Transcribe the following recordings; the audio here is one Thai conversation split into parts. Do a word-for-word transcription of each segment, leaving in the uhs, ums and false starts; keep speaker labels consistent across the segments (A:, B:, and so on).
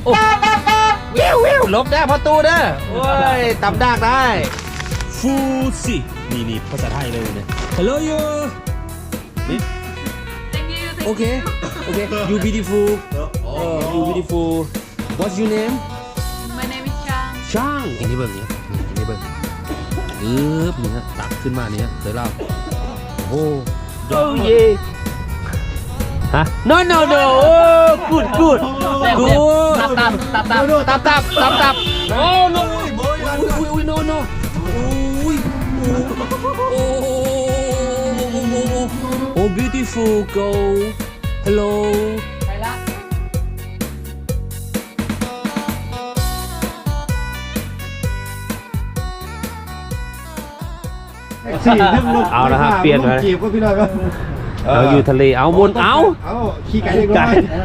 A: อ้วิววิวลบได้พอตูเด้อโอ้ยตำดากได้ฟูซินี่นี่ภาษาไทยเลยเนี่ย Hello you นี่โอเคโอเค you beautiful เออ you beautiful what's your name
B: My name is Chang
A: ช่างอันนี้เบิ่งเนี่ยอันนี้เบิ่งอึ๊บนี่นะตักขึ้นมาเนี่ยเคยเล่าโอ้โอ้เย่ฮะ no no no โอ้ good good good
B: ตับตับตับตับ
A: ตับตับตับตับโอ้ no อุ้ยอุ้ย no no อุ้ยโอ้โอ้ beautiful girl hello
B: ไปละ
A: เอาละครับเปลี่ยนไป
C: จีบก็พี่น้อยก็
A: เอาอยู่ทะเลเอาบนเอา
C: เอาขี้ไก่เล็กน้อย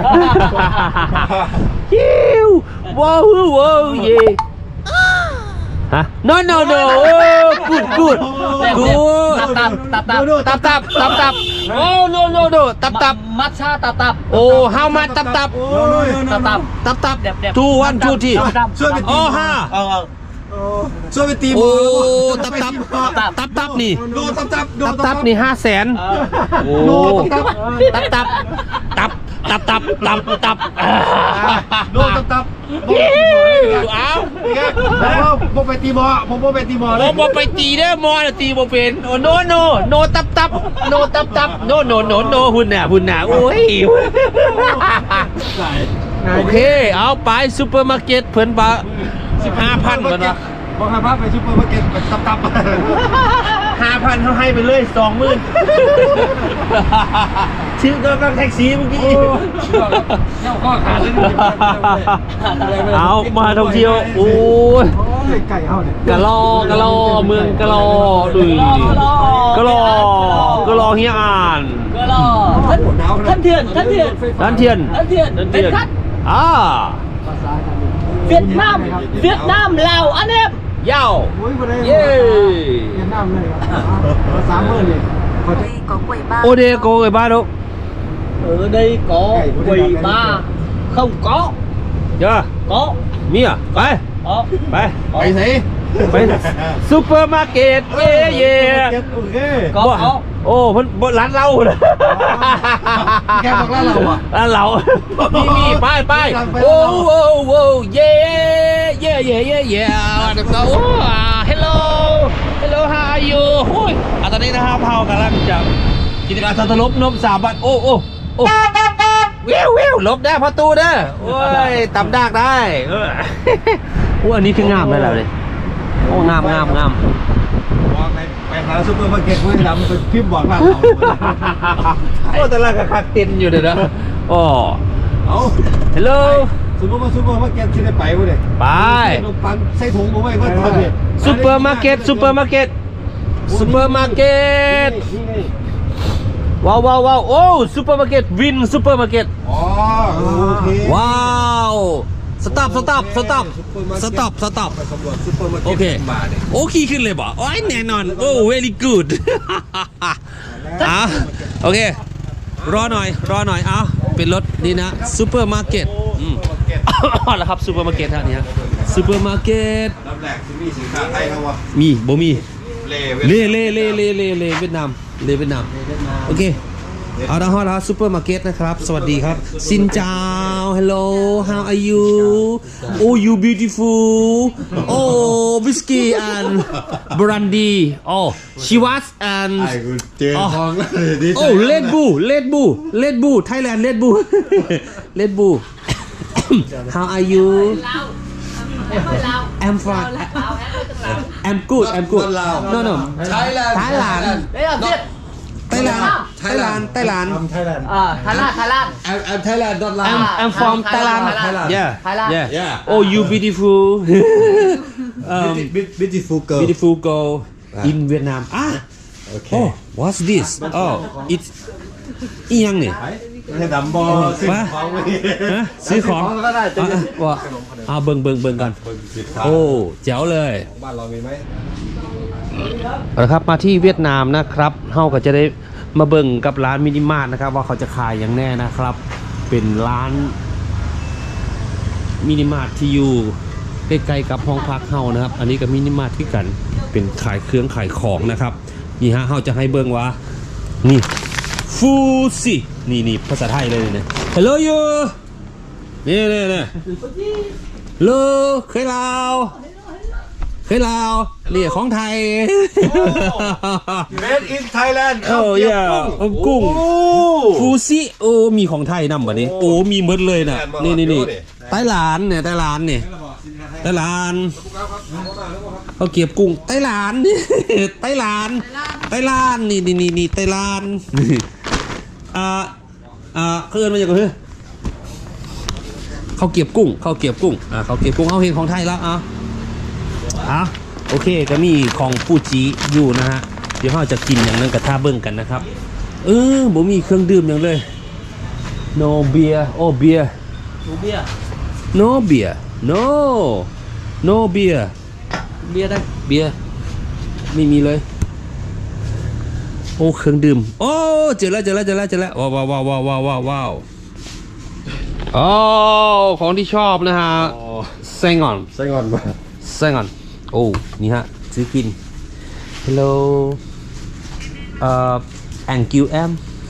A: ฮิวว้าวว้าวเย่ฮะ no no no โอ้ good good good
B: ตับตับตับตับ
A: ตับตับตับตับโอ้ no no no ตับตับ
B: มัทฉะตับตับ
A: โอ้ how much ตับตับ
B: ตับตับ
A: ตับตับ
B: เด็บเด็บ
A: two one two three
C: ช่วยไป
A: โอ้
C: ตี
A: ห้า
B: เออ
C: ช่วยไปตี
A: โอ้ตับตับตับตับนี่
C: โดนตับตับโด
A: ตั
C: น
A: บตับนี่ห้าแสนโอ้ตับตับตับตับตับตับตับ
C: โดนตับตับ
A: เอา
C: ผมผมไปตีบอผมผมไปตีบอ
A: โอ้บ่ไปตีเด้อมอตีบ่เป็นโอ้โนโนโนตับตับโนตับตับโนโนโนโนหุ่นน่ะหุ่นน่ะโอ้ยโอเคเอาไปซูเปอร์มาร์เก็ตเพิ่นบาสิบห้าพันก่อนเนาะ
C: บอกให้พาไปซุปเปอร์มาร์เก็ตไปตับตับ
A: ห้าพันเขาให้ไปเลยสองหมื่นชื่อก็ก็แท็กซี่เมื่อกี้
C: เจ้าข้อขาดเลย
A: เอามาท่องเที่ยวโอ้ย
C: ไก่เฮาเนี่ย
A: กะลอกะลอเมืองกะลอดุยกะลอกะลอเฮียอ่าน
B: ก็รอท่านเถื่อนท่านเถื่อน
A: ด้านเทียน
B: ท่านเถื่อน
A: ด้าน
B: เป็
A: เที
B: น
A: ยน
B: คัด
A: อ่า
B: เวียดนามเวียดนามลาวอันนี้
A: เย้า
C: โอ้ยบ่ได้
A: เย้
C: เวียดนามเลยครับสามหมื่นเลยเขาจะ
D: có quầy bar
A: โอเดโกไอ้บ้าดู
B: ở đây có quầy bar không có
A: เยอะ
B: có
A: มีอ่ะไป
B: có
A: ไป
C: ไปไหน
A: ไปซูเปอร์มาร์เก็ตเย่เย่
C: โอเค
B: có có
A: โอ้เพิ่นบ่ร้านเราเลย
C: แกบอกร้านเราอ่ะ
A: ร้านเรามีมีไปไปโอ้โอ้โอ้เย่เย่เย่เย่เย่เดี๋ยวเราโอ้ hello hello how are you โอ้ยอ่ะตอนนี้นะครับเฮากำลังจะกิจการสัตว์ลบนมสามบาทโอ้โอ้โอ้วิววิวลบได้พอตูเด้อโอ้ยตำดากได้เออโอ้อันนี้คืองามเลยแล้วเลยโอ้งามงามงาม
C: บอกไปไปหาซุปเปอร์มาร์เก็ตเว้ยดำเป็นพิมพ์บอกร้านเรา
A: โอ้แต่ละก็คักเต็นอยู่เด้อนะโอ้
C: เอา
A: ฮัลโหล
C: ซุปเปอร์มาซุปเปอร์มาร์เก็ตที่ได้ไปวะเนี่ย
A: ไป
C: ขนมปังใส่ถุงมาไว้ก็ทำเนี่ย
A: ซูเปอร์มาร์เก็ตซูเปอร์มาร์เก็ตซูเปอร์มาร์เก็ตว้าวว้าวว้าวโอ้ซูเปอร์มาร์เก็ตวินซูเปอร์มาร์เก็ต
C: อ๋อโอเค
A: ว้าวสต็อปสต็อปสต็อปสต็อปสต็อป
C: ไปสำรวจซุปเปอร์มาร์
A: โอ
C: เก็ต
A: เค
C: มาเนี่ย
A: โอ้ขี่ขึ้นเลยบ่โอ้ยแน่นอนโอ้ very good อ่ะโอเครอหน่อยรอหน่อยเอาเป็นรถนี่นะซูเปอร์มาร์เก็ตอืมแล้วครับซูเปอร์มาร์เก็ตท่านี้ซูเปอร์มาร์เก็ต
C: ลำแรกที่มีสินค้าไทยเขาวะ
A: มีบ่มี
C: เล่
A: เล่เล่เล่เล่เล่เล่เวียดนามเล่เวียดนามโอเคเอาละฮะแล้วซูเปอร์มาร์เก็ตนะครับสวัสดีครับซินเจ้า hello how are you oh you beautiful oh whiskey and brandy oh she was and
C: ไอ้กูเจอทองแล้วดีใจ
A: oh Red Bull Red Bull Red Bull Thailand Red Bull Red Bull how are you I'm fine I'm good I'm good no no
C: Thailand
A: Thailand
B: đấy là Việt
A: Thailand Thailand Thailand
C: I'm Thailand
B: à Thái Lan Thái Lan
C: I'm I'm Thailand not
A: I'm
C: Lao
A: I'm from
B: Thailand,
A: Thailand
B: Thailand.
A: yeah
B: Thailand.
A: yeah
C: Yeah.
A: oh you beautiful um
C: beautiful girl
A: beautiful girl in Vietnam ah
C: okay
A: oh what's this oh it's อีหยังนี่
C: ให้ดำบอซื้อ
A: ว่า
C: ของไว้
A: ฮะซื้อของ
C: ก็ได้จะ
A: อ่ะอ่ะว่าเอาเบิ่งเบิ่งเบิ่งกันโอ้แจ๋วเลย
C: บ้านเรามีไหม
A: เอาละครับมาที่เวียดนามนะครับเฮาก็จะได้มาเบิ่งกับร้านมินิมาร์ทนะครับว่าเขาจะขายอย่างแน่นะครับ เป็นร้านมินิมาร์ทที่อยู่ใกล้ๆกับห้องพักเฮานะครับ อันนี้ก็มินิมาร์ทที่กันเป็นขายเครื่องขายของนะครับนี่ฮะเฮาจะให้เบิ่งว่านี่ฟูซินี่นี่ภาษาไทยเลยเนี่ย Hello you นี่นี่นี่ Hello เคยลาวเคยลาวนี่ของไทย
C: Made in Thailand
A: โอ้ยอ่ะกุ้งฟูซิโอ้มีของไทยนำแบบนี้โอ้มีหมดเลยน่ะนี่นี่นี่ไต้หลานเนี่ยไต้หลานเนี่ยไต้หลานเขาเก็บกุ้งไต้หลานนี่ไต้หลานไต้หลานนี่นี่นี่นี่ไต้หลานอ่าอ่าเขาเอิ้นมาจากไหนเขาเก็บกุ้งเขาเก็บกุ้งอ่าเขาเก็บกุ้งเขาเห็นของไทยแล้วอ่ะอ่ะโอเคก็มีของฟูจิอยู่นะฮะเดี๋ยวเราจะกินอย่างนั้นกับท่าเบิ้งกันนะครับเออบ่มีเครื่องดื่มอย่างเลย no beer oh beer
B: หนูเบียร์
A: no beer no no beer
B: เบียร์ได้
A: beer ไม่มีเลยโอ้เครื่องดื่มโอ้เจอแล้วเจอแล้วเจอแล้วเจอแล้วว้าวว้าวว้าวว้าวว้าวว้าวอ๋อของที่ชอบนะฮะแซงอน
C: ไส้งอนป่ะ
A: แซงอนโอ้นี่ฮะซื้อกิน hello เอ่อ thank you em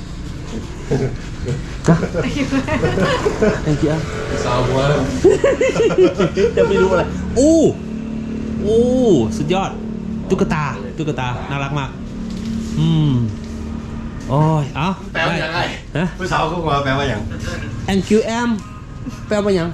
A: ฮะ thank you em
C: สาวหัว
A: จะไม่รู้อะไรโอ้โอ้สุดยอดตุ๊กตาตุ๊กตาน่ารักมากอืมโอ้ยเอ้า
C: แปลว่าอย่างไร
A: ฮะ
C: ผู้สาวเขาบอกว่าแปลว่าอย่าง
A: thank you em แปลว่าหยัง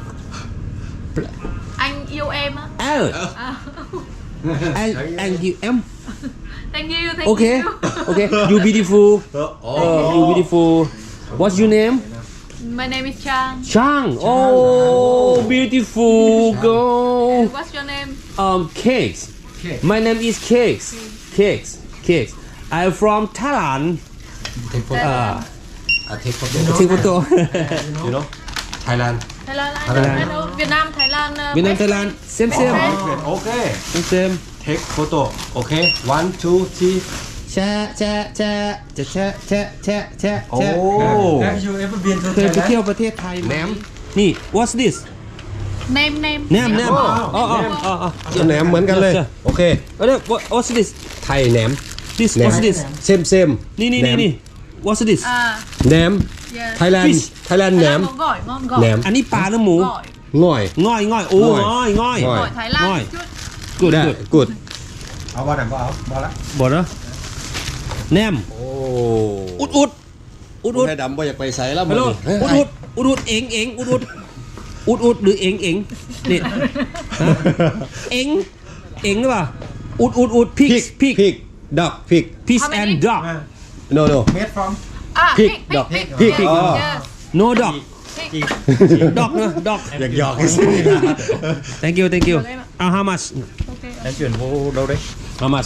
D: Anh yêu em á.
A: เออ
D: À.
A: and and you em
D: Thank you, thank
A: okay
D: you.
A: okay you beautiful
C: โอ้
A: uh, you beautiful what's your name
D: My name is Chang.
A: Chang oh beautiful girl
D: What's your name?
A: um cakes my name is cakes cakes cakes I'm from Thailand uh,
C: take photo
A: take photo
C: you know Thailand
D: Thailand. I
A: Thailand.
D: know, I know. Việt Nam, Thailand. Uh,
A: Việt Nam
D: best
A: Thailand
D: friend.
A: same same
C: okay
A: same same
C: take photo okay one two three
A: แชะแชะแชะจะแชะแชะแชะแชะ
C: โอ้
A: แชะ
C: Have you ever been to
A: เคยไปเที่ยวประเทศไทยไหมนี่ what's this
D: Name, name.
A: แหนมแหนม
C: อ๋
A: อ๋
C: อ
A: ออ๋ออ๋ออ๋อ
C: แหนมเหมือนกันเลย
A: เออ
C: โอเค
A: เออ what what's this
C: ไทยแหนม
A: this what's this
C: เซมเซม
A: นี่นี่นี่นี่ what's this
D: À,
C: แหนม
D: yes.
C: ไทยแลนด์
A: Fish
C: ไทยแลนด์แหนม
D: Thái Lan có gỏi, ngon gỏi.
C: แหนม
A: อันนี้ปลาหรือหมู
D: Gỏi.
C: ง่อย
A: ง่อยง่อยโอ้
C: ง่อย
A: ง่อยง่อย
C: ง่อย
D: Gỏi Thái Lan
A: Gỏi.
D: một chút.
A: good
C: ได้
A: good
C: กูดเอาบ้านไหนบ้าเอาบ้านละ
A: บอกนะแหนม
C: โอ้
A: อุดอุดอุดอุด
C: ให้ดำบ่อยากไปใส่แล้ว
A: ฮัลโหลอุดอุดอุดอุดเอ็งเอ็งอุดอุดอุดอุดหรือเอ็งเอ็งนี่ฮะเอ็งเอ็งหรือเปล่าอุดอุดอุดพิก
C: พริก
A: พิก
C: พริกดอกพริก
A: พิก
D: How many?
A: and dog
C: no no
E: Made from
D: À,
C: Pig,
D: pig,
C: dog.
D: pig,
C: Pig,
D: pig.
C: oh.
D: Yes.
A: no dog
D: Pig.
A: dog นะ dog
C: อยากหยอกให้สิ
A: thank you thank you อ่า how much
D: Okay.
E: Em chuyển vô đâu đấy?
A: how much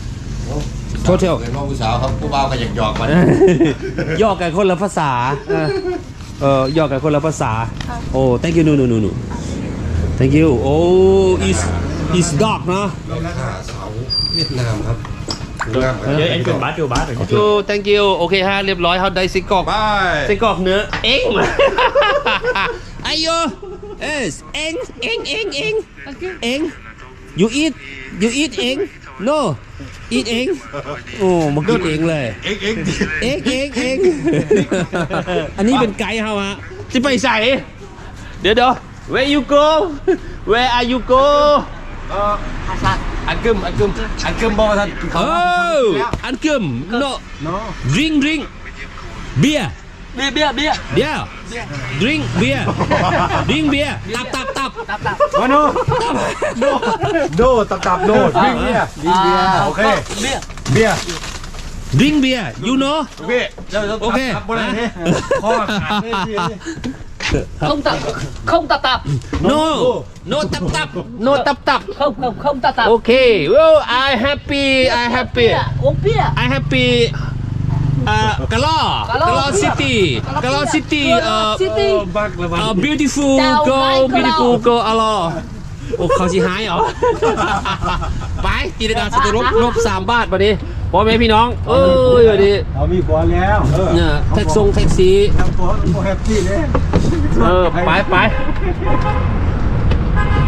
A: total
C: เป็นน้องผู้สาวครับผู้บ่าวก็อยากหยอกมัน
A: ย่อกันคนละภาษาเออเออย่อกันคนละภาษาโอ้ thank you no no no no thank you โอ้ is is dog เนาะ
C: สาวเวียดนามครับ
E: Vậy anh chuyển bát vô bát rồi.
A: โอ้ thank you โอเคฮะเรียบร้อยเขาได้ไส้กรอก
C: บาย
A: ไส้กรอกเนื้อเอ็งไอโยเอสเอ็งเอ็งเอ็งเอ็งเอ็ง you eat you eat เอ็ง no eat เอ็งโอ้มากินเองเลย
C: เอ็กเอ็ก
A: เอ็งเอ็งเอ็งอันนี้เป็นไกด์เขาฮะจะไปใส่เดี๋ยวเดี๋ยว where you go where are you go
C: อันกึมอันกึมอันกึมบอกว่าท่าน
A: โอ้อันกึม no drink drink beer
B: Bia, bia, bia.
A: เดี๋ยว drink beer drink beer ตับตับตับ
C: มาโนโนโนตับตับโนวิ่งเบียร์วิ่งเบียร์โอเค
B: Bia.
C: เบียร์
A: drink beer you know
C: โอเค
A: โอเค
C: ตับบนไหนนี่ข้อขาดเลย
B: Không tập, không tập tập.
A: no no ตับตับ no ตับตับ
B: Không, không, không tập tập.
A: โอเค well I happy I happy
B: Bia, uống bia.
A: I happy อ่ากะล่อกะล่อ city กะล่อ city เอ่อ
B: City.
C: บักละบั
A: เอ่
C: ก
A: อ beautiful
B: ดาว
A: girl
B: ไม้กะล่อ
A: beautiful girl อะลอโอ้เขาสิหายเหรอ ไปกิจการสตุลบลบสามบาทบัดนี้พ่อแม่พี่น้องเอ้ยบัดนี้
C: เรามีผัวแล้วเออ
A: เนี่ยแท็กซงแท็กซี่
C: ทำผัวผัวแฮปปี้เลย
A: เออไปไป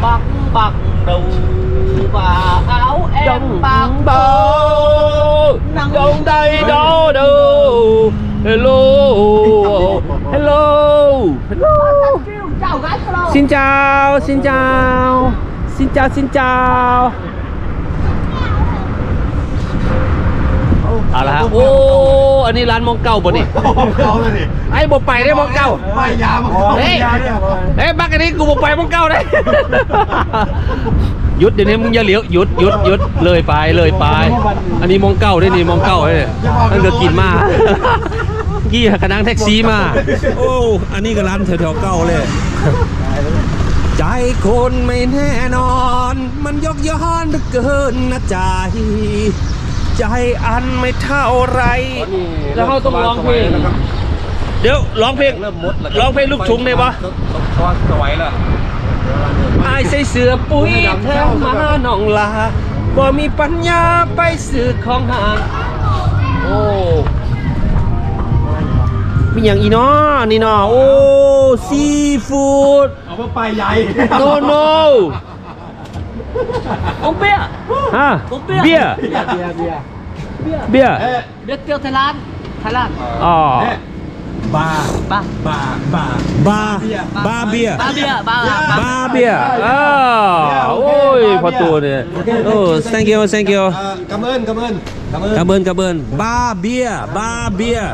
B: bạc bạc đầu và áo em bạc
A: bơ đông đây đó đâu hello hello hello
B: chào gái hello
A: xin chào xin chào xin chào xin chào เอาละฮะโอ้อันนี้ร้านมองเก่าป่ะนี่
C: เขาเลยนี่
A: ไอ้บอกไปได้มองเก่า
C: ไปยามาขอ
A: เฮ้ย
C: ยาเนี่ย
A: เฮ้ยบักอันนี้กูบอกไปมองเก่าได้ หยุดเดี๋ยวนี้มึงอย่าเลี้ยวหยุดหยุดหยุดเลยไปเลยไป อันนี้มองเก่าได้นี่มองเก่าเลยนั่นก็กินมากี้ขนังแท็กซี่มาโอ้อันนี้ก็ร้านแถวๆเก่าเลย ใจคนไม่แน่นอน มันยกย้อนเหลือเกินนะใจ ใจอันไม่เท่าไรแล้วเขาต้องร้องเพลง เดี๋ยวร้องเพลงร้องเพลงลูกชุงได้ปะ
C: สวยแล้ว
A: ไอ้ใส่เสื้อปุ๋ยแถวมาหนองลาบ่มีปัญญาไปซื้อของห่าง โอ้มีอย่างอีน้อนี่น้อโอ้ซีฟู้ด
C: เอาไปใหญ่
A: โนโน
B: ông bia
A: ฮะ
B: ông
A: เบีย
B: bia
A: ร์
B: bia bia bia
A: เบียร์
B: biết kêu Thái Lan Thái Lan
A: อ๋อบ
C: า
B: ba
C: บาบา
A: บาบาเบียร์
B: ba bia ba
A: บาเบียร์อ้าวโอ้ยพอตัวเนี่ยโอ้ thank you thank you
C: กำเอิญกำเอิญกำเอิญ
A: กระเบินกระเบินบาเบียร์บาเบียร์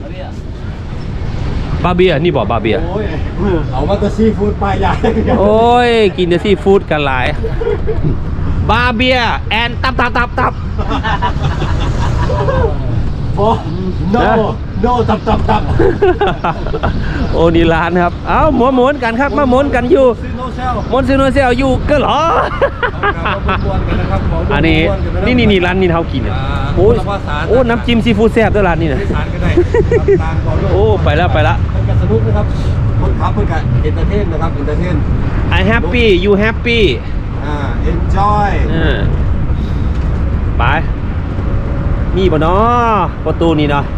A: บาเบียร์นี่บอกบาเบียร์
C: โอ้ยเอามาตัวซีฟู้ดไปใหญ่
A: โอ้ยกินแต่ซีฟู้ดกันหลายบาเบียร์แอนตับตับตับตับ
C: โอ้ no no ตับตับตับ
A: โอ้นี่ร้านครับเอ้าหมุนหมุนกันครับมาหมุนกันอยู่
C: ซีโนเซล
A: หมุนซีโนเซลอยู่ก็เหรอ อันนี้นี่นี่นี่ร้านนี้เขากินเนี่ยโอ้ยโอ้น้ำจิ้มซีฟู้ดแซ่บด้วยร้านนี้นะ
C: ทานก็ได้ตามก่อนด้วย
A: โอ้ไปแล้วไปแล้ว
C: เป็นการสนุกนะครับคนขับเพื่อนกันเอนเตอร์เทนนะครับเอนเตอร์เทน
A: I happy you happy
C: อ่า enjoy
A: เออไปมีบ่เนาะประตูนี่เนาะ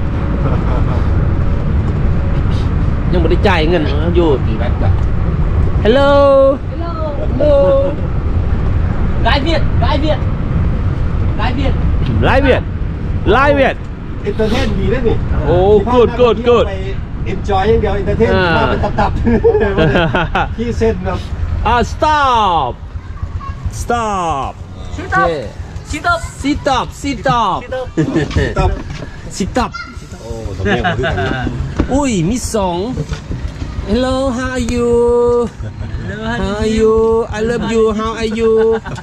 A: ยังไม่ได้จ่ายเงินอยู่ Hello Hello
B: gái Việt gái Việt gái Việt
A: ไลฟ์เวียดไลฟ์เวียด
C: เอนเตอร์เทนดีได้นี่
A: โอ้ good good good
C: ไป enjoy อย่างเดียวเอนเตอร์เทน
A: อ่า
C: มาเป็นตับๆที่เส้นแบบ
A: อ่า stop stop
B: sit up sit up
A: sit up sit up
C: ตับ
A: sit up
C: โอ้สำเนียงผมด้วยกัน
A: อุ้ยมีสอง Hello how are you how are you I love you how are you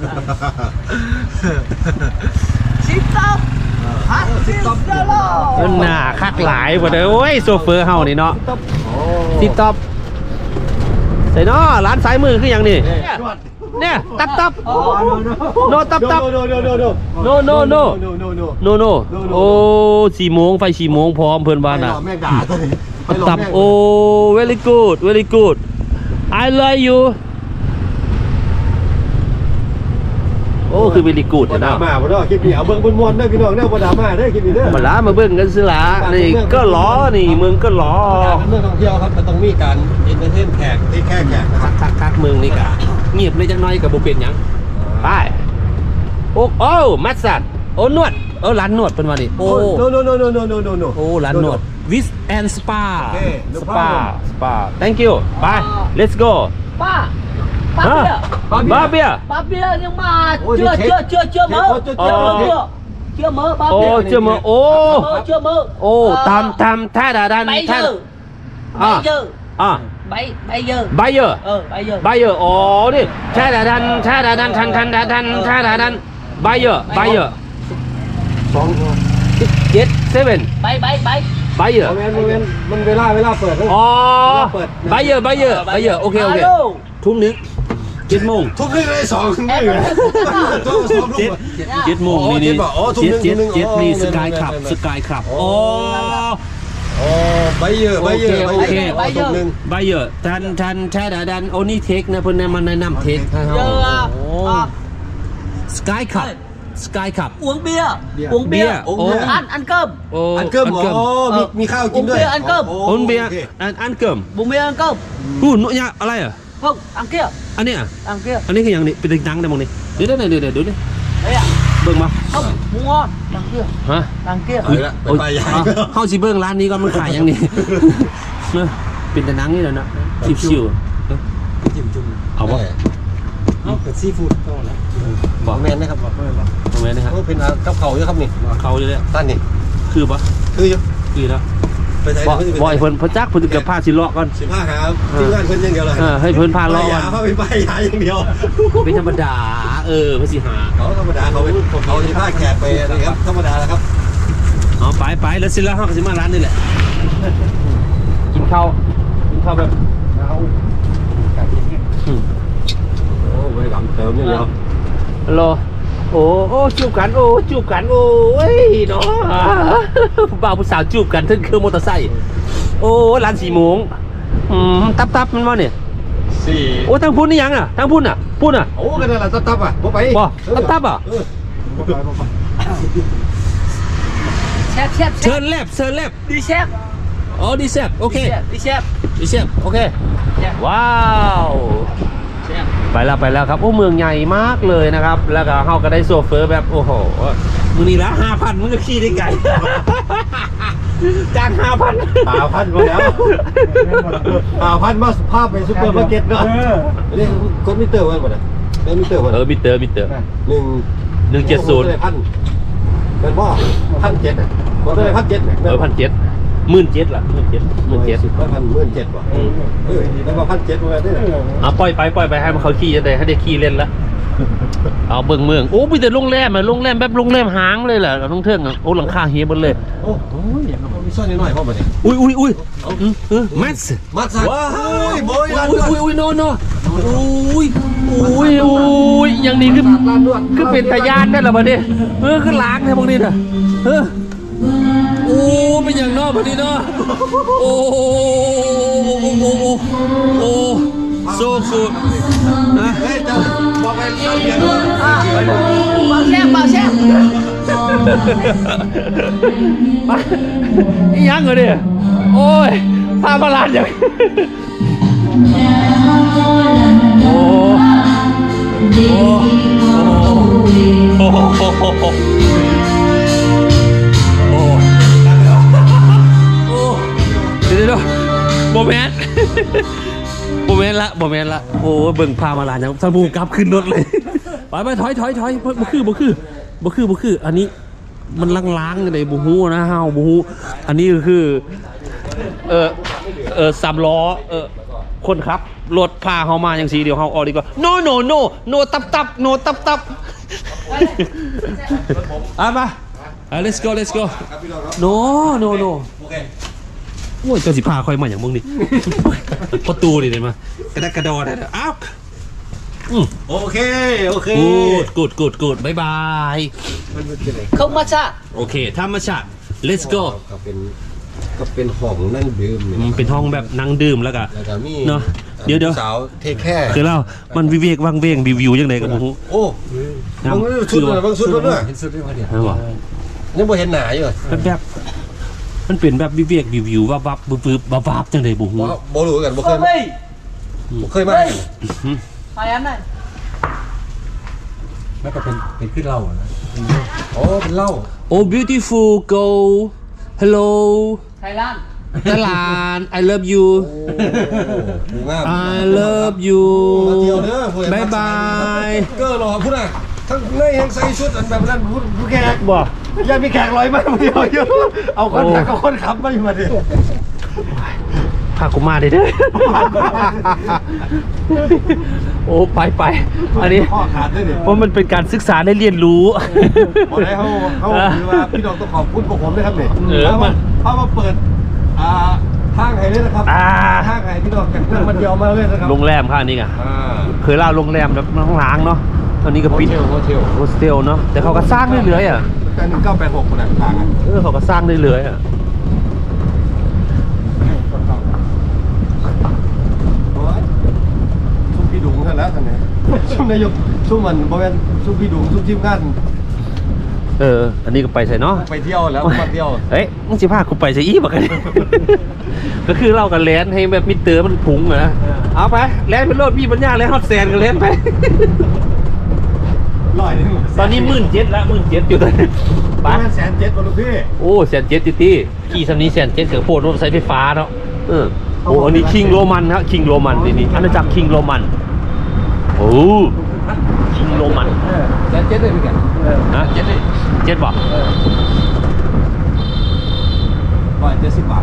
B: sit up hát sit up hello
A: มันหนาคักหลายบ่เด้อโอ้ยโซเฟอร์เฮานี่เนาะติดต็อปใส่เนาะร้านซ้ายมือคือหยังนี่เนี่ยตับตับโนตับตับ
C: โนโนโนโน
A: no no no
C: โนโนโน
A: no no โอ้สี่โมงไฟสี่โมงพร้อมเพิ่นบ้านน่ะ
C: แม่ด่าตัวนี้
A: ตับโอ้ very good very good I love you โอ้คือ very good
C: บ่
A: เนาะ
C: ด่ามาบ่ดอกคลิปนี้เอาเบิ่งมวนๆเด้อพี่น้องเด้อบ่ด่ามาเด้อคลิปนี้เด้อ
A: มาล้ามาเบิ่งกันสิล่ะนี่ก็ล้อนี่เมืองก็ล้อ
C: เรื่องท่องเที่ยวครับมันต้องมีการเอนเตอร์เทนแขกที่แค่แขกนะครับ
A: คักคักเมืองนี่กะเงียบเลยจังน้อยกับบ่เป็นหยังไปโอ้โอ้มัสซัดโอ้นวดเออร้านนวดเป็นว่านี่โอ้
C: โนโนโนโนโนโนโนโน
A: โอ้ร้านนวด วิสแอนด์สปา
C: โอเค no
A: สปา
C: problem
A: สปา thank you ไป let's go
B: ba ba
A: ฮะ
B: bia
A: บาเบีย
B: ba bia nhưng mà
C: Ôi,
B: chưa
C: thì
B: chưa
C: chết.
B: chưa chưa
C: Chết,
B: mơ
C: ôi, chết,
B: chưa
A: chết,
B: mơ
A: chết.
B: chưa chưa mơ ba
A: โอ้
B: bia
A: เจอมาโอ้
B: mơ chưa mơ
A: โอ้ตามตามท่าดาดัน
B: bây
A: ท่า
B: giờ
A: อ่ะ
B: bây giờ
A: อ่ะ
B: bây bây giờ
A: ไบเยอร์
B: ờ bây giờ
A: ไบเยอร์อ๋อนี่ท่าดาดันท่าดาดันทันทันดาดันท่าดาดันไบเยอร์ไบเยอร์
C: สอง
A: เจ็ดเซเว่น
B: bay bay bay
A: ไบเยอร์
C: โมเมนต์โมเมนต์มันเวลาเวลาเปิด
A: อ๋อไบเยอร์ไบเยอร์ไบเยอร์โอเคโอเค
B: alo
A: ทุ่มหนึงเจ็ดโมง
C: ทุกนึงเลยสองนึงเลยทุกสอง
A: เจ็ดเจ็ดโมง
C: อ๋อ
A: นี่นี่
C: เจ็ดบอกอ๋อทุ่ม
A: เจ็ด
C: หนึ่ง
A: เจ็ด
C: ทุ่มหนึ่ง
A: เจ็ดนี่
C: อ๋อ
A: สกาย
C: แม่น
A: คลับ
C: แม่น
A: สกายคลับ
C: โอ้
A: โอ้
C: อ๋อใบเยอะใบเยอะ
A: โอเค
C: ใบเยอะ
B: โอเค
C: ทุกนึง
A: ไบเยอร์ทันทันแท้ดาดันโอ้นี่เทคนะเพิ่นแนะมันแนะนำเทคให้เฮา
B: giờ à,
A: สกายคลับสกายคลับ
B: uống bia
C: Bia.
B: uống bia
A: Bia.
B: uống
A: Ồ.
B: bia. ăn ăn cơm
A: โอ้
C: อันเกิมอ๋อมีมีข้าวกินด้วย
B: ผมเบียร์อันเกิม
A: โอนเบียร์อันอันเกิม
B: bún bia ăn cơm
A: หูหนูเนี่ยอะไรอ่ะ
B: không đằng kia
A: อันเนี้ย
B: đằng kia
A: อันนี้คืออย่างนี้เป็นดังได้มั้งนี่เดี๋ยวเดี๋ยวเดี๋ยวเดี๋ยวดิ
B: đấy ạ
A: เบิ่งมา
B: không mua ngon đằng kia
A: ฮะ
B: đằng kia
C: เอาละไปไปยาง
A: เฮาสิเบิ่งร้านนี้ก่อนมันขายยังนี่ เนอะเป็นแต่หนังนี่แหละเนาะชิวๆ
C: จิ้มจุ่ม
A: เอาบ่
C: เอาเป็นซีฟู้ดก็แล้ว
A: บอก
C: แมนนะครับบอกแมนบอก
A: ตรงนี้นะครับ
C: เป็นกับเขาเยอะครับนี่
A: เขาอยู่เลย
C: ท่านนี่
A: คือปะ
C: คืออยู่
A: คือแล้ว
C: ไปใช้
A: บ่บ่อยเพิ่นพระจักเพิ่นเกือบพาสิเลาะก่อน
C: สิบห้าครับที่งานเพิ่นอย่างเดียวเลย
A: เออให้เพิ่นพาเลาะ
C: ยา
A: ก่อน
C: เขาไปป้ายยาอย่างเดียว
A: เป็นธรรมดา เออเพิ่นสิหา
C: เขาธรรมดาเขาเป็นเขาที่ผ้าแขกไปนี่ครับธรรมดาแล้วครับ
A: เอาไปไปแล้วสิแล้วเฮาก็สิมาร้านนี่แหละ กินข้าวกินข้าวแบบ
C: เอาไก่ยิงเนี่ย
A: อืม
C: โอ้ไปกำเติมอย่างเดียว
A: ฮัลโหลโอ้โอ้จูบกันโอ้จูบกันโอ้ยเนาะผู้บ่าวผู้สาวจูบกันถึงเครื่องมอเตอร์ไซค์โอ้ร้านสี่โมงอืมตับตับมันว่าเนี่ย
C: สี่
A: โอ้ทางพุ่นนี่ยังอ่ะทางพุ่นอ่ะพุ่นอ่ะ
C: โอ้กันนั่นแหละตับตับอ่ะบ่ไป
A: บ่ตับตับอ่ะ
C: เออบ่ไปบ่ไป
B: xếp xếp
A: เชิ
B: xếp
A: ญแลบเชิญแลบ
B: đi xếp
A: อ๋อดีเซฟโอเค
B: đi xếp
A: ดีเซฟโอเค
B: xếp
A: ว้าว
B: xếp
A: ไปแล้วไปแล้วครับโอ้เมืองใหญ่มากเลยนะครับ แล้วก็เฮาก็ได้โซเฟอร์แบบโอ้โหมือนี้ละห้าพันมึงก็ขี่ได้ไกล จ้างห้าพัน
C: ป่าพันมาแล้วป่าพันมาภาพไปซุปเปอร์มาร์เก็ตเนาะนี่กดมิเตอร์ไว้หมดอ่ะได้มิเตอร์ไว้
A: เออมิเตอร์มิเตอร์
C: หนึ่ง
A: หนึ่งเจ็ดศูนย์
C: พันเป็นว่าพันเจ็ดอ่ะกดได้พันเจ็ด
A: เออพันเจ็ดหมื่นเจ็ดล่ะหมื่นเจ็ดหมื่นเจ็ด
C: สิบพันหมื่นเจ็ดว่ะเออแล้วมาพันเจ็ดมาได้
A: อ่ะปล่อยไปปล่อยไปให้มันเขาขี่จะได้ให้ได้ขี่เล่นละเอาเบิ่งเมืองโอ้มีแต่โรงแรมอ่ะโรงแรมแบบโรงแรมหางเลยแหละท่องเที่ยวอ่ะโอ้หลังคาเฮียบนเลย
C: โอ้โหมีซ่อนนิดหน่อยพ่อมาดิ
A: อุ้ยอุ้ยอุ้ยอืมเออแมส
C: มาสั่งว้าวโบยร้าน
A: อุ้ย
C: ด้วย
A: อุ้ยอุ้ยโนโนอุ้ยอุ้ยอุ้ยอย่างนี้คือคือเป็นตายานได้หรอบัดนี้เออคือล้างเนี่ยพวกนี้น่ะเออโอ้เป็นอย่างนอกบัดนี้เนาะโอ้โอ้โอ้โอ้โซกูนะ
C: เฮ้ยจะบอกไปเล่าเรียนด้วย
B: vào xếp vào xếp
A: อีหยังเหรอเนี่ยโอ้ยพามาลานอย่างโอ้โอ้โอ้โอ้โอ้โอ้โอ้โอ้เดี๋ยวเดี๋ยวโมเมนต์โมเมนต์ละโมเมนต์ละโอ้เบิ่งพามาลานอย่างท่านผู้กลับขึ้นรถเลยไปไปถอยถอยถอยบ่คือบ่คือบ่คือบ่คืออันนี้มันล้างๆในบูฮูนะฮาวบูฮูอันนี้ก็คือเออเออสามล้อเออคนครับรถพาเขามาอย่างสีเดียวเขาออกดีกว่า no no no no ตับตับ no ตับตับอ่ะมา let's go let's go no no no
C: โอเค
A: โอ้ยเจ้าสิพาคอยมาอย่างมึงนี่ ประตูนี่เลยมากระดกกระดอได้อ้าวอืม
C: โอเคโอเค
A: กูดกูดกูดกูดบายบาย
C: มันเป็นไง
B: không massage
A: โอเคธรรมชาติ let's go
C: ก็เป็นก็เป็นห้องนั่งดื่ม
A: มันเป็นห้องแบบนั่งดื่มแล้วก็
C: แล้วก็มี
A: เนาะเดี๋ยวเดี๋ยว
C: สาวเทคแค่
A: คือเรามันวิเวกวังเวงวิวยังไงกันบุ้ง
C: โอ้บางชุดเลยบางชุดด้วย
E: เห็นสุดด้วยพอดี
A: นะบอก
C: ยังบ่เห็นหนาอยู่
A: เป็นแบบมันเป็นแบบวิเวกวิววับวับบึบบึบวับวับจังเลยบุ้ง
C: บ่บ่รู้กันบ่เคย
B: không đi
C: บ่เคยมา
B: phải em này
E: แล้วก็เป็นเป็นขึ้นเหล้านะ
C: โอ้เป็นเหล้า
A: โอ้ beautiful go hello
B: Thái Lan
A: ตลาด I love you
C: งาม
A: I love you
C: มาเที่ยวเด้อผู้ใหญ่
A: บายบาย
C: ก็รอพุ่นน่ะทั้งในแห่งใส่ชุดอันแบบนั้นผู้ผู้แขก
A: บ่
C: ยังมีแขกลอยมาเดียวอยู่เอาคนขับกับคนขับมาอยู่มาดิ
A: พากูมาได้เด้อ โอ้ไปไปอันนี้
C: ข้อขาดด้วยดิ
A: เพราะมันเป็นการศึกษาได้เรียนรู้
C: พอได้เขาเขาคือว่าพี่น้องต้องขอบคุณพวกผมด้วยครับเนี่ย
A: เออ
C: เขา
A: มั
C: มาน เขามาเปิดอ่าทางไห้เลยนะครับ
A: อ่า
C: ทางไห้พี่น้องกันนั่งมาเดียวมาเลยนะครับ
A: โรงแรมค่ะอันนี้ไง
C: อ่า
A: เคยเล่าโรงแรมแบบล้างๆเนาะตอนนี้ก็
C: โฮ
A: ปิด
C: เทลโฮเทล
A: โฮสเทลเนาะแต่เขาก็สร้างเรื่อยๆอ่ะ
C: แต่หนึ่งเก้าแปดหกคนน่ะทางอ่ะ
A: เออเขาก็สร้างเรื่อยๆอ่ะ
C: โอ้ยชุมพี่ดุงท่านแล้วท่านเนี่ยชุมนายกชุมมันบริเวณชุมพี่ดุงชุมทีมงาน
A: เอออันนี้ก็ไปใส่เนาะ
C: ไปเที่ยวแล้วมาเที่ยว
A: เฮ้ยมึงสิพากูไปใส่อีบักกัน ก็คือเรากันแลนให้แบบมิเตอร์มันพุงอะนะเอาไปแลนไปโลดพี่ปัญญาแลนฮอตแซนกันแลนไป
C: ร้อยนึง
A: ตอนนี้หมื่นเจ็ดละหมื่นเจ็ดอยู่ตอนนี้
C: ป
A: ไป
C: ระมาณแสนเจ็ดคนลูกพี่
A: โอ้แสนเจ็ดติตี้ขี่สำนีแสนเจ็ดเกิดโพดรถไฟไฟฟ้าเนาะเออโอ้อันนี้คิงโรมันครับคิงโรมันนี่นี่อาณาจักรคิงโรมันโอ้คิงโรมัน
C: แสนเจ็ดเลยพี่แก
A: นะเจ็ดเลยเจ็ดบอก
C: ร้อยเจ็ดสิบบาท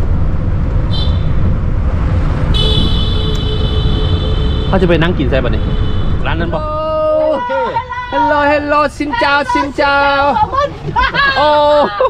A: เขาจะไปนั่งกินใช่ป่ะนี่ร้านนั้นบอกฮัลโหลฮัลโหลซินเจ้าซินเจ้าโอ้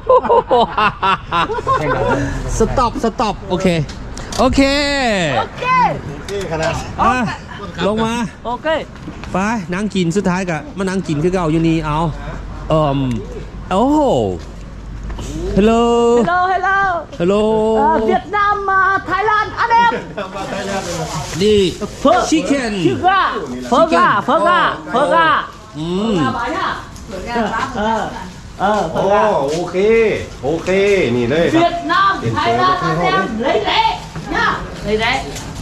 A: สต็อปสต็อปโอเคโอเค
C: นี่ขนาด
A: อ่ะลงมา
B: โอเค
A: ไปนั่งกินสุดท้ายกะมานั่งกินคือเก่าอยู่นี่เอาเอ่อโอ้โหฮัลโหล
B: hello hello
A: ฮัลโหล
B: เวียดนามมาไทยแลนด์อันเดม
A: นี่ชิคเก้น
B: ชื่อว่าเฟอร์กาเฟอร์กาเฟอร์กา
A: อืม
B: เออเออเฟอ
C: โอ้
B: ร์กา
C: โอเค โอเค นี่เลยค
B: เวี
C: รั
B: ย
C: บ
B: ดนามไทยแลนด์อันเดมเลยเลยเนี่ยเลยเลย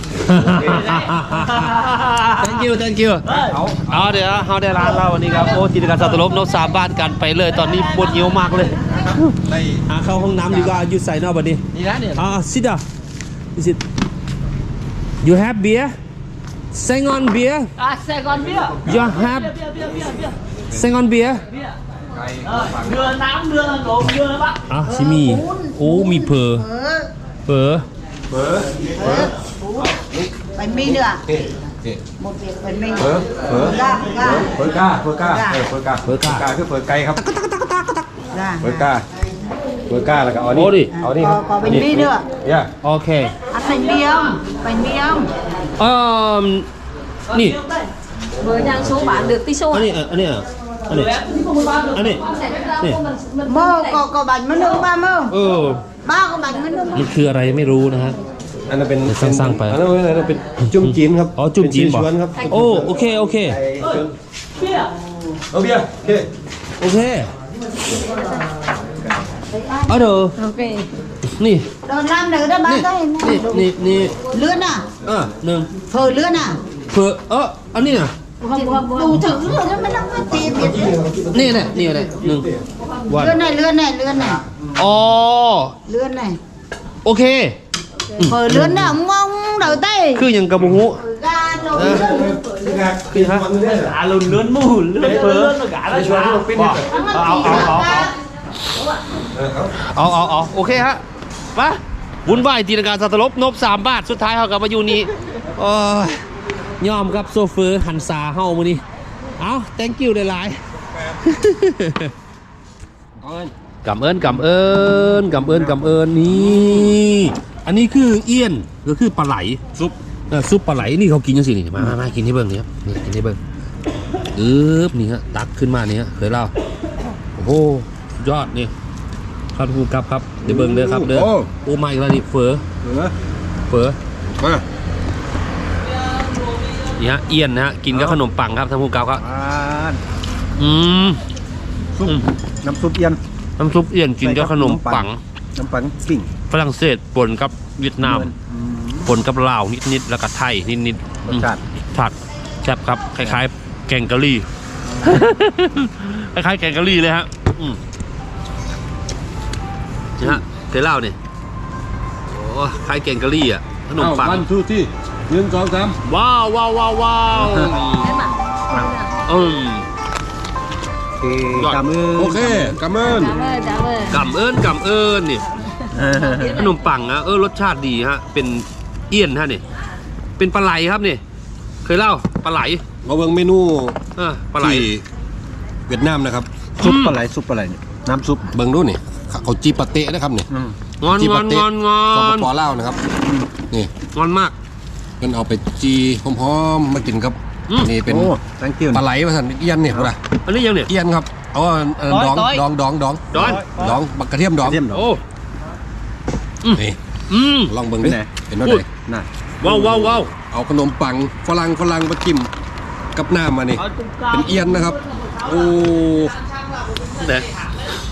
A: thank you thank you เอาเดี๋ยวเขาได้ร้านเราวันนี้ครับโอ้จิตรการสัตว์ลบนกสามบ้านกันไปเลยตอนนี้ปวดเหี่ยวมากเลยหาเข้าห้องน้ำดีกว่าอยู่ใส่นอกบัดนี้
B: นี่นะเนี่ย
A: อ่า sit down is it you have beer sing on beer
B: อ่ะเซกอนเบียร์
A: you have
B: เบียร์เบียร์เบียร์เบียร์
A: sing on beer
B: เบียร์เออเรือน้ำเรือหลงเรือปะ
A: อ่ะชิมีโอ้มีเพอเพอ
F: bánh mì nữa
C: นี่นี่
F: một việc bánh mì
C: เผลอเผลอ
F: ga ga
C: เผลอกาเผลอกาเออเผลอกาเผลอกาคือเผลอไก่ครับ
F: ga
C: เผลอกาเผลอกาแล้วก็เอานี่
A: โอ้ดิ
C: เอานี่ครับ
F: có, có bánh mì nữa
C: เนี่ย
A: โอเค
F: ăn bánh mì không bánh mì không
A: เอ่อนี่
D: Với nhang số bán được tí số
A: อันนี้อันนี้อันนี้อันนี้นี่
F: mơ có có bánh mì nữa ba mơ
A: เออ
F: ba có bánh mì nữa
A: มันคืออะไรไม่รู้นะฮะ
C: อันนั้นเป็น
A: สร้างๆไป
C: อันนั้นเป็นอันนั้นเป็นจุ่มจีนครับ
A: อ๋อจุ่มจีน
C: เป็
A: บอก
C: ชวนครับ
A: โอ้โอเคโอเค
C: ไอ้ชวน
B: เบียร์
C: เอาเบียร์โอเค
A: โอเคเอาเด้อ
D: Ok
A: นี่
F: rồi làm nữa đó
A: นี่
F: bán đây
A: นี่นี่นี่
F: lươn à
A: เออหนึ่ง
F: phở lươn à
A: เผื่อเอออันนี้น่ะ
F: đủ thứ rồi đó mới làm cái tiền biết đấy.
A: นี่แหละนี่แหละหนึ่งวัน
F: lươn này lươn này lươn này
A: อ๋อ
F: lươn này
A: โอเค
F: phở lươn nào ông ông đầu tay
A: คืออย่างกระบุงหู
F: ga nồi
A: คือฮะ
B: à lùn lươn mù lươn lươn nó cả nó
C: ชวนที่ผมปิ้นเนี่ย
F: เอาเอาเอาเอา
C: เออเอา
A: เอาเอาเอาโอเคฮะมาบุญไหวตีนการสัตว์ลบนบสามบาทสุดท้ายเขากลับมาอยู่นี่โอ้ยยอมครับโซเฟอร์หันซาเฮามือนี้เอา thank you หลายๆกำเอิญกำเอิญกำเอิญกำเอิญนี่อันนี้คือเอี้ยนก็คือปลาไหลซุปเออซุปปลาไหลนี่เขากินยังสินี่มามามากินให้เบิ่งนี่ครับนี่กินให้เบิ่งอึ๊บนี่ฮะตักขึ้นมานี่ฮะเคยเล่าโอ้โหสุดยอดนี่ครับผู้กับครับเดี๋ยวเบิ่งเด้อครับเด้อโอ้มาอีกแล้วนี่เฟอ
C: เออ
A: เฟอ
C: มา
A: นี่ฮะเอี้ยนนะฮะกินกับขนมปังครับท่านผู้กับครับ
C: อ่า
A: อืม
C: ซุปน้ำซุปเอียน
A: น้ำซุปเอี้ยนกินกับขนมปัง
C: น้ำปังปิ้ง
A: ฝรั่งเศสปนกับเวียดนามปนกับลาวนิดๆแล้วก็ไทยนิดๆ
C: รสชาติ
A: ผัดแซ่บครับคล้ายๆ แกงกะหรี่ คล้ายๆแกงกะหรี่เลยฮะอืมนี่ฮะเคยเล่าเนี่ยโอ้คล้ายแกงกะหรี่อ่ะขนมปัง
C: วันทูที่หนึ่งสองสาม
A: ว้าวว้าวว้าวว้าว อืม
C: โอเคกำมือโอเคกำมือ
D: Cảm ơn cảm ơn
A: กำเอิญกำเอิญนี่ขนมปังนะเออรสชาติดีฮะเป็นเอี้ยนฮะนี่เป็นปลาไหลครับนี่เคยเล่าปลาไหล
C: มาเบิ่งเมนู
A: เออปลาไหล
C: ที่เวียดนามนะครับ
A: ซุปปลา
C: ไหลซุปปลาไหลเนี่ยน้ำซุปเบิ่งดูนี่เขาจีปาเต้นะครับนี่
A: งอนงอนงอนงอ
C: สป
A: น
C: ปลาวนะครับนี่
A: งอนมาก
C: เพิ่นเอาไปจีหอมๆมากินครับ
A: อืม
C: นี่เป็นปลาไหลมาสั่นเอียนเนี่ยพุ่นน่ะ
A: อันนี้ยังเนี่ย
C: เอียนครับเอาอันดองดองดองดอง
A: ดอน
C: ดองบักกระเทียมดอง
A: โอ้
C: นี่
A: อืม
C: ลองเบิ่งดิเห็นว่าไหนน่ะ
A: ว้าวว้าวว้าว
C: เอาขนมปังฝรั่งฝรั่งมาจิ้มกับน้ำมานี่เป็นเอียนนะครับโอ้
A: เด็ก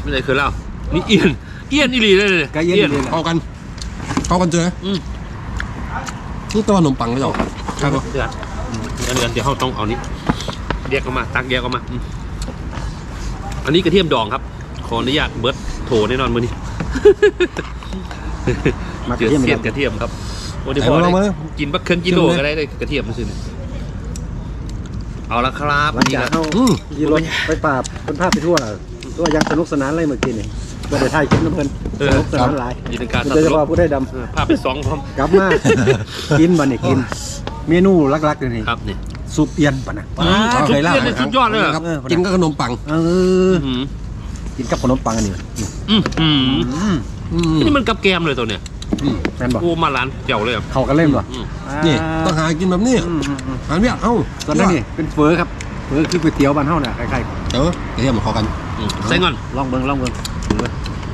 A: ไม่ได้เคยเล่านี่เอียนเอียนอีหลีเลยเลย
C: ไก่เย็นเลยเข้ากันเข้ากันเจอ
A: อืม
C: นี่ตัวขนมปังเลยเหรอครับ
A: เดือดเดือดเดือดเดี๋ยวเราต้องเอานี้แยกออกมาตักแยกออกมาอืมอันนี้กระเทียมดองครับขออนุญาตเบิร์ดโถแน่นอนมือนี้เจือเสียดกระเทียมครับโอ้เดี๋ยวพอได้กินบักเครื่องกิโลก็ได้เลยกระเทียมมันสิเอาละครับ
C: หลัง
A: นี่
C: จาก
A: นะ
C: เข้ายีรถไปปราบคนภาพไปทั่วตัวยังสนุกสนานอะไรเมื่อกี้นี่ก็ได้ถ่ายคลิปน้ำเพลินสนุกสนานหลาย
A: ยินดีการ
C: โดยเฉพาะผู้ได้ด
A: ภาพเป็นสองพร้อม
C: ำกลับมากินบันนี่กิน เมนูลักๆเลยนี่
A: ครับนี่
C: ซุปเอียนป่ะนะ
A: ซุปเอียนเนี่ยสุดยอดเลย
C: ครับกินกับขนมปัง
B: เออ
A: อืม
B: กินกับขนมปังอันนี้
A: อืมอืม
C: อืม
A: นี่มันกับแกมเลยตัวเนี้ย
B: แม่นบอก
A: โอ้มาร้านเจ๋วเลย
B: เขากันเล่นบ่
A: อืม
C: นี่ต้องหากินแบบนี้อันนี้เอ้า
B: ตอนนั้นนี่เป็นเฟอครับเฟอคือก๋วยเตี๋ยวบ้านเฮาน่ะคล้าย
C: เออกระเทียมเข้ากัน
A: อืมใส่ก่อน
B: ๆลองเบิ่งลองเบิ่งเฟอ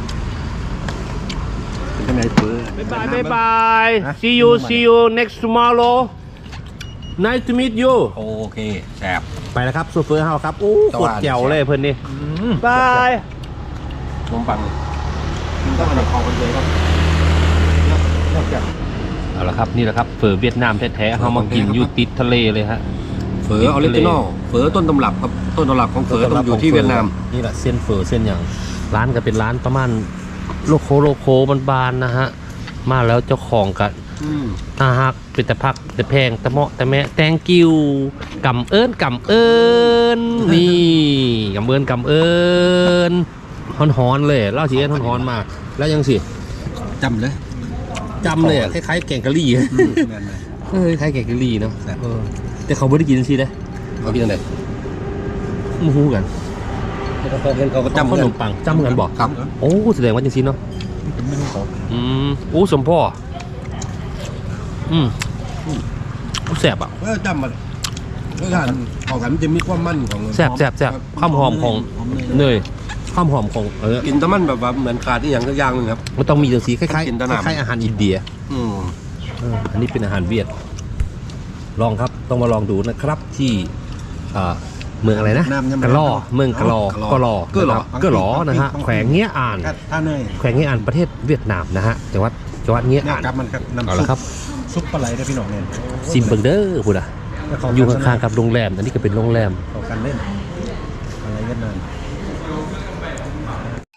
B: เป็นจังไดเฟอ
A: บ๊ายบายบ๊ายบาย see you see you next tomorrow nice to meet you
C: โอเคแซ่บ
A: ไปแล้วครับซูเฟอร์เฮาครับโอ้
C: ตะ
A: โค
C: วั
A: ตร
C: น
A: แจ๋วเลยเพิ่นนี่บาย
C: ขนมปังกินกับขนมปังกันเลยครับนอกจาก
A: เอาละครับนี่แหละครับเฟอเวียดนามแท้ๆเฮามากินอยู่ติดทะเลเลยฮะ
C: เฝอออริจินอลเฝอต้นตำรับครับต้นตำรับของเฝอต้องอยู่ที่เวียดนาม
A: นี่แหละเส้นเฟอเส้นอย่างร้านก็เป็นร้านประมาณโลโคโลโคบานๆนะฮะมาแล้วเจ้าของกันอาฮักเป็นแต่พักแต่แพงแต่เหมาะแต่แม่แตงกิวกำเอิญกำเอิญนี่กำเอิญกำเอิญฮ้อนๆเลยเล่าสีเอิญฮ้อนๆมากแล้วยังสิ
C: จำเลย
A: จำเลยอะคล้ายๆแกงกะหรี่เออคล้ายแกงกะหรี่เนาะเออแต่เขาไม่ได้กินสินะ
C: เขากินอะไร
A: มูฮูกัน
C: เขาก็
A: จำ
C: จำ
A: ขนมปังจำเหมือนกันบอก
C: ครับ
A: โอ้แสดงว่าจริงๆเนาะอืมโอ้สมพ่ออืมแสบอ่ะ
C: เออจำมันรสชาติของกันมันจะมีความมันของ
A: แสบแสบแสบความหอมของเนยความหอมของเออ
C: กินแต่มันแบบว่าเหมือนขาดที่อย่างสักอย่างหนึงครับ
A: มันต้องมีจังสีคล้าย
C: กินแต่
A: ๆ
C: น้ำ
A: คล้ายๆอาหารอินเดีย
C: อืม
A: เอออันนี้เป็นอาหารเวียดลองครับต้องมาลองดูนะครับที่อ่าเมืองอะไรนะกะล่อเมืองกะลอกะลอ
C: เก็หรอ
A: นะครับกะหลอนะฮะแขวงเงี้ยอ่าน
C: ท่าเนย
A: แขวงเงี้ยอ่านประเทศเวียดนามนะฮะจังหวัดจังหวัดเงี้ย
C: เนี่ย
A: อ่าน
C: ครับมันครับน้ำ
A: เอา
C: ซุ
A: ละ
C: ป
A: ครับ
C: ซุปปลาไหลได้พี่น้องเนี่ย
A: ซิมเบิงเดอร์พูดอ่ะอยู่ข้างๆกับโรงแรมอันนี้ก็เป็นโรงแรม
C: เข้ากันเล่นอะไรกันนั่น